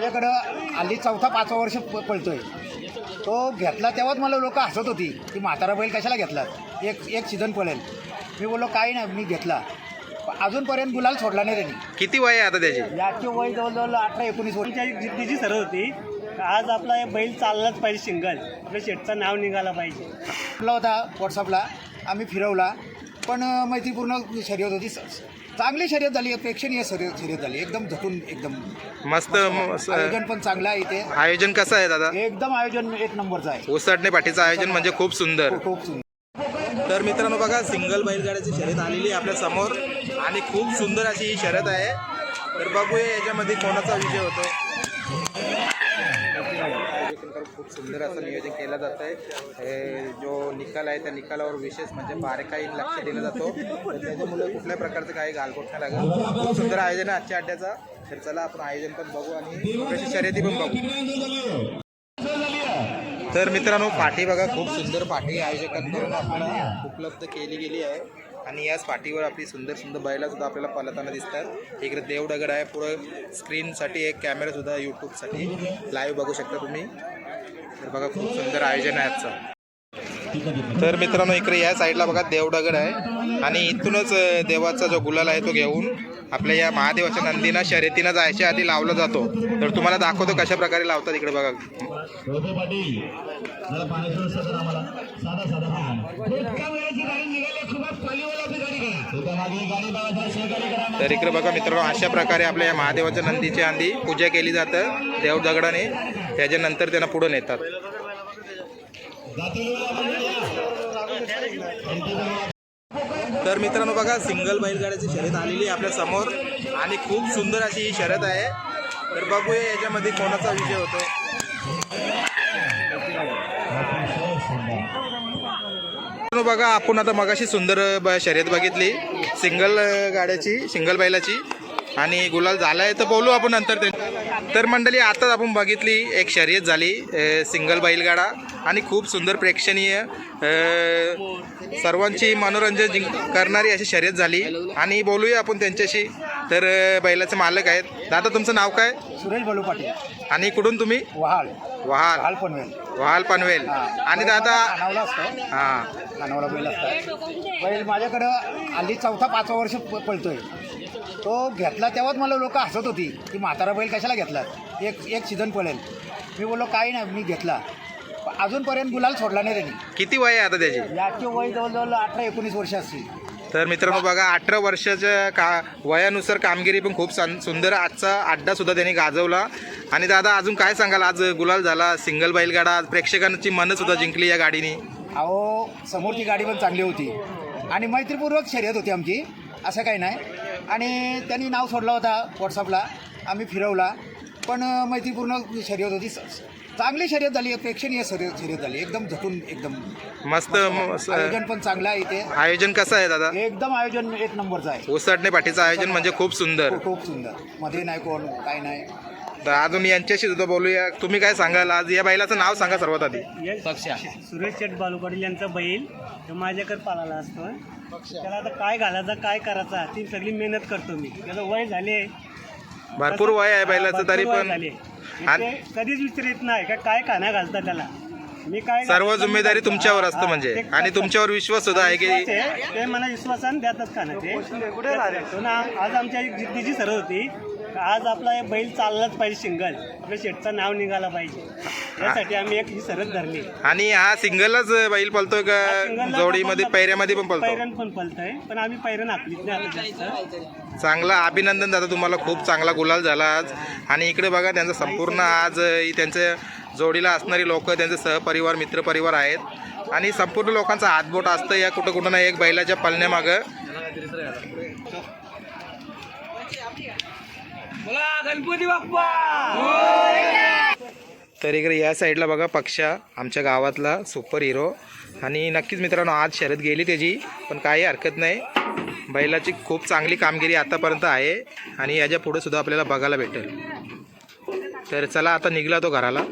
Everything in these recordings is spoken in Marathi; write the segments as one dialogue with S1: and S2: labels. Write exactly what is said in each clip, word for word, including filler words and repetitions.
S1: माझ्याकडं हल्ली चौथा पाचवा वर्ष प पळतोय. तो घेतला तेव्हाच मला लोक हसत होती की म्हातारा बैल कशाला घेतला, एक एक सीझन पळेल. मी बोललो काही नाही, मी घेतला. अजूनपर्यंत गुलाल सोडला नाही त्यांनी.
S2: किती वय आहे आता त्याची?
S1: याचे वय जवळजवळ अठरा एकोणीस वर्ष.
S3: जिद्दीची सरळ होती. आज आपला हे बैल चाललाच पाहिजे, सिंगल आपल्या शेटचं नाव निघाला पाहिजे.
S1: आपला होता व्हॉट्सअपला, आम्ही फिरवला. पण मैत्रीपूर्ण शर्यत होती, चांगली शर्यत झाली, प्रेक्षणीय शर्यत शर्यत झाली, एकदम झटून एकदम
S2: मस्त.
S1: आयोजन पण चांगलं आहे इथे.
S2: आयोजन कसं आहे दादा?
S1: एकदम आयोजन एक नंबरचं आहे.
S2: ओसाडणे पाठीचं आयोजन म्हणजे खूप सुंदर.
S1: खूप सुंदर.
S2: तर मित्रांनो बघा, सिंगल बैलगाड्याची शर्यत आलेली आहे आपल्या समोर आणि खूप सुंदर अशी ही शर्यत आहे. तर बघूया याच्यामध्ये कोणाचा विजय होतो. खूप सुंदर असं नियोजन केलं जातं आहे. जो निकाल आहे त्या निकालावर विशेष म्हणजे बारकाईने लक्ष दिलं जातो. तर त्याच्यामुळे कुठल्या प्रकारचं काही गालबोट नाही लागत. खूप सुंदर आयोजन आहे आजच्या अड्ड्याचा. तर चला आपण आयोजन पण बघू आणि थोडीशी शर्यती पण बघू. तर मित्रांनो, पाठी बघा, खूप सुंदर पाठी आयोजकांकडून आपल्याला उपलब्ध केली गेली आहे. आणि याच पाठीवर आपली सुंदर सुंदर बैलासुद्धा आपल्याला पळताना दिसतात. इकडे देवदगड आहे, पुढं स्क्रीनसाठी एक कॅमेरासुद्धा यूट्यूबसाठी लाईव्ह बघू शकता तुम्ही. तर बघा, खूप सुंदर आयोजन आहे आजचं. तर मित्रांनो, इकडे या साईडला बघा देवदगड आहे आणि इथूनच देवाचा जो गुलाल आहे तो घेऊन आपल्या या महादेवाच्या नंदीना शर्यतीनं जायच्या आधी लावला जातो. तर तुम्हाला दाखवतो कशा प्रकारे लावतात. इकडे बघा. तर इकडे बघा मित्रांनो, अशा प्रकारे आपल्या या महादेवाच्या नंदीच्या आधी पूजा केली जातं देवदगडाने. त्याच्यानंतर त्यांना पुढे नेतात. तर मित्रांनो बघा, सिंगल बैलगाड्याची शर्यत आलेली आहे आपल्या समोर आणि खूप सुंदर अशी ही शर्यत आहे. तर बघूया याच्यामध्ये कोणाचा विजय होतो. बघा, आपण आता मगाशी सुंदर शर्यत बघितली सिंगल गाड्याची, सिंगल बैलाची, आणि गुलाल झाला आहे. तर बोलू आपण नंतर ते. तर मंडळी, आताच आपण बघितली एक शर्यत झाली सिंगल बैलगाडा आणि खूप सुंदर प्रेक्षणीय सर्वांची मनोरंजन जिंक करणारी अशी शर्यत झाली. आणि बोलूया आपण त्यांच्याशी. तर बैलाचे मालक आहेत. दादा, तुमचं नाव काय?
S1: सुरेश बालू पाटील.
S2: आणि कुठून तुम्ही?
S1: वहाल.
S2: वहाल
S1: वहाल पनवेल.
S2: वहाल पनवेल. आणि दादा
S1: खानावला असतो.
S2: हां,
S1: खानावला बैल असतात. बैल माझ्याकडं हल्ली चौथा पाचवा वर्ष प पळतोय. तो घेतला तेव्हाच मला लोक हसत होती की म्हातारा बैल कशाला घेतला, एक एक सीझन पळेल. मी बोललो काही नाही, मी घेतला. अजूनपर्यंत गुलाल सोडला नाही त्यांनी.
S2: किती वय आहे आता त्याची?
S1: याचे वय जवळजवळ अठरा एकोणीस वर्ष असतील.
S2: तर मित्रांनो बघा, अठरा वर्षाच्या का वयानुसार कामगिरी पण खूप सुंदर. आजचा अड्डासुद्धा त्यांनी गाजवला. आणि दादा, अजून काय सांगाल? आज गुलाल झाला सिंगल बैलगाडा, प्रेक्षकांची मनंसुद्धा जिंकली या गाडीने.
S1: अहो, समोरची गाडी पण चांगली होती आणि मैत्रीपूर्वक शर्यत होती आमची, असं काही नाही. आणि त्यांनी नाव सोडला होता व्हॉट्सअपला, आम्ही फिरवला. पण मैत्रीपूर्ण शर्यत होती, चांगली शर्यत झाली, प्रेक्षणीय शर्यत शर्यत झाली, एकदम झटून एकदम
S2: मस्त.
S1: आयोजन पण चांगलं आहे इथे.
S2: आयोजन कसं आहे दादा?
S1: एकदम आयोजन एक नंबरचं आहे.
S2: ओसाडणे पाठीचं आयोजन म्हणजे खूप सुंदर.
S1: खूप सुंदर. मध्ये नाही कोण, काय नाही.
S2: तर अजून यांच्याशी सुद्धा बोलूया. तुम्ही काय सांगाल? आज या बैलाचं नाव सांगा सर्वात आधी.
S3: सुरेश शेट बालू पाटील यांचा बैल तो माझ्याकडे पाळाला असतो. त्याला आता काय घालायचा, काय करायचा, ती सगळी मेहनत करतो मी. त्याचं वय झाले,
S2: भरपूर वय आहे बैलाचं, तरी पण
S3: कधीच विचारित नाही का काय खाना घालता त्याला. मी काय
S2: सर्व जिम्मेदारी तुमच्यावर असतं म्हणजे. आणि तुमच्यावर विश्वास सुद्धा आहे की
S3: ते मला विश्वासानं द्यातच खाणं ते. आज आमच्या एक जिद्दीची सरळ होती. आज आपला हे बैल चाललाच पाहिजे, सिंगल आपल्या शेटचं नाव निघाला पाहिजे. यासाठी आम्ही एक ही सरळ धरली.
S2: आणि हा सिंगलच बैल पळतोय का जोडीमध्ये, पैऱ्यामध्ये पण पळतो?
S3: पैरण पण पळतोय, पण आम्ही पैरण आखलीच नाही आता जास्त.
S2: चांगला अभिनंदन दादा, तुम्हाला खूप चांगला गुलाल झाला आज. आणि इकडे बघा, त्यांचं संपूर्ण आज त्यांच्या जोडीला असणारी लोक, त्यांचे सहपरिवार, मित्रपरिवार आहेत. आणि संपूर्ण लोकांचा हातबोट असतं या कुठं कुठं ना एक बैलाच्या पळण्यामागं.
S3: गणपती बाप्पा.
S2: तर इकडे या साईडला बघा पक्षा, आमच्या गावातला सुपर हिरो. आणि नक्कीच मित्रांनो, आज शर्यत गेली त्याची, पण काही हरकत नाही. बैलाची खूप चांगली कामगिरी आतापर्यंत आहे आणि याच्या पुढे सुद्धा आपल्याला बघायला भेटेल. तर चला आता निघला तो घराला.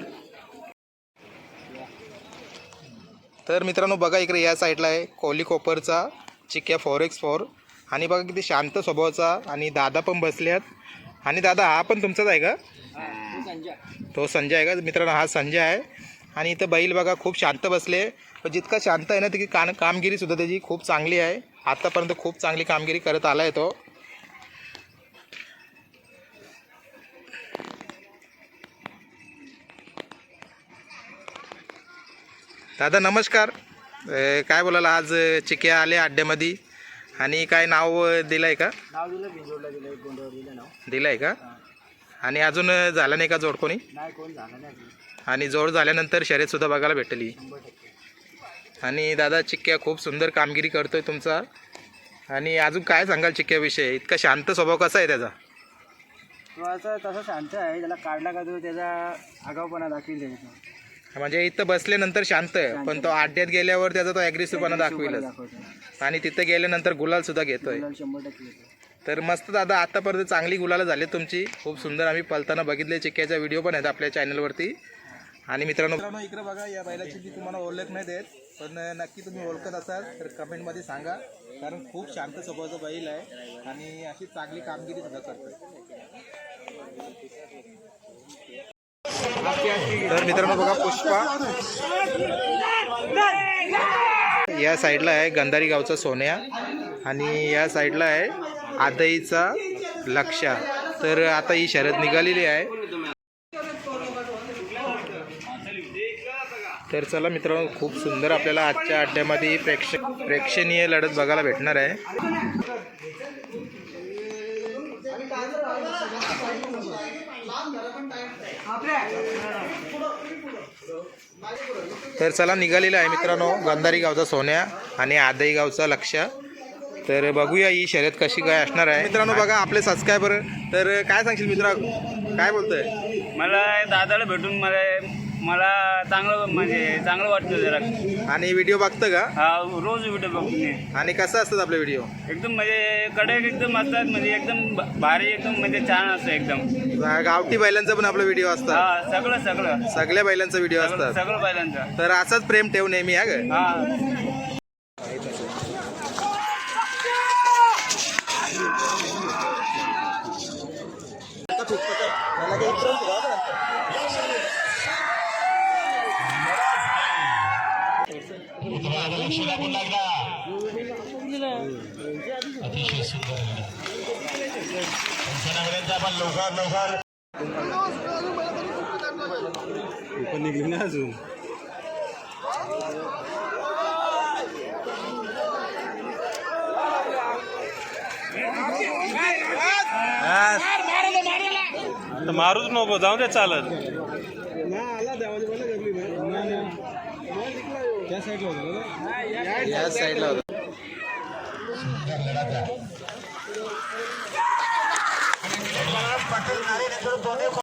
S2: तर मित्रांनो बघा, इकडे या साईडला आहे कोली कोपरचा चिक्या फोर एक्स फोर. आणि बघा किती शांत स्वभावाचा. आणि दादा पण बसल्यात. आणि दादा, हा पण तुमचाच आहे का? तो संजय आहे का मित्रांनो? हा संजय आहे. आणि इथं बैल बघा खूप शांत बसले. पण जितका शांत आहे ना तितकी कान कामगिरीसुद्धा त्याची खूप चांगली आहे. आत्तापर्यंत खूप चांगली कामगिरी करत आला आहे तो. दादा नमस्कार. अ, काय बोलायला आज चिक्या आले अड्ड्यामध्ये आणि काय नाव दिलं आहे का?
S3: नाव दिलं भिंजोडला दिलं एक गोंड्यावर दिलं नाव.
S2: दिलं आहे का? आणि अजून झालं नाही का जोड कोणी?
S3: नाही कोण झालं नाही.
S2: आणि जोड झाल्यानंतर शर्यतसुद्धा बघायला भेटली. आणि दादा चिक्क्या खूप सुंदर कामगिरी करतोय तुमचा. आणि अजून काय सांगाल चिक्क्याविषयी? इतका शांत स्वभाव कसा आहे त्याचा?
S3: तो असं तसं शांत आहे. त्याला काढला का तो त्याचा आगाऊपणा दाखवेल त्याचा.
S2: म्हणजे इथं बसल्यानंतर शांत आहे पण तो अड्ड्यात गेल्यावर त्याचा तो ॲग्रेसिव्हपणा दाखवेलच. आणि तिथं गेल्यानंतर गुलाल सुद्धा घेतोय.
S3: शंभर टक्के येतो.
S2: तर मस्त दादा आतापर्यंत चांगली गुलाला झाली तुमची. खूप सुंदर आम्ही पलताना बघितले. चिक्क्याचा व्हिडिओ पण आहेत आपल्या चॅनलवरती. आणि मित्रांनो मित्रांनो इकडे बघा या बैलाची जी तुम्हाला ओळख नाही देत पण नक्की तुम्ही ओळखत असाल तर कमेंटमध्ये सांगा. कारण खूप शांत स्वभावाचा बैल आहे आणि अशी चांगली कामगिरी सुद्धा करतो. तर मित्रांनो बघा पुष्पा या साईडला आहे गंधारी गावचा सोन्या आणि या साईडला आहे आदईचा लक्षा. तर आता ही शर्यत निघालेली आहे. तर चला मित्रांनो खूप सुंदर आपल्याला आजच्या अड्ड्यामध्ये प्रेक्ष प्रेक्षणीय लढत बघायला भेटणार आहे. तर चला निघालेला आहे मित्रांनो गंधारी गावचा सोन्या आणि आदई गावचा लक्षा. तर बघूया ही शर्यत कशी काय असणार आहे. मित्रांनो बघा आपले सबस्क्रायबर. तर काय सांगशील मित्रा? काय बोलतोय?
S4: मला दादाला भेटून मला मला चांगलं म्हणजे चांगलं वाटतं जरा.
S2: आणि व्हिडिओ बघतं का?
S4: हा रोज व्हिडिओ बघतो मी.
S2: आणि कसं असतात आपले व्हिडिओ?
S4: एकदम म्हणजे कडक एकदम असतात म्हणजे एकदम ब- भारी एकदम म्हणजे छान असतं एकदम.
S2: गावठी बैलांचा पण आपला व्हिडिओ असतात.
S4: हा सगळं सगळं
S2: सगळ्या बैलांचा व्हिडिओ
S4: सगळं
S2: असतात.
S4: सगळं पहिल्यांदा.
S2: तर असाच प्रेम ठेव नेहमी हा ग.
S4: हा
S3: पण निघली ना अजून.
S5: मारूच नको जाऊ दे चालत.
S2: या साईडला होता.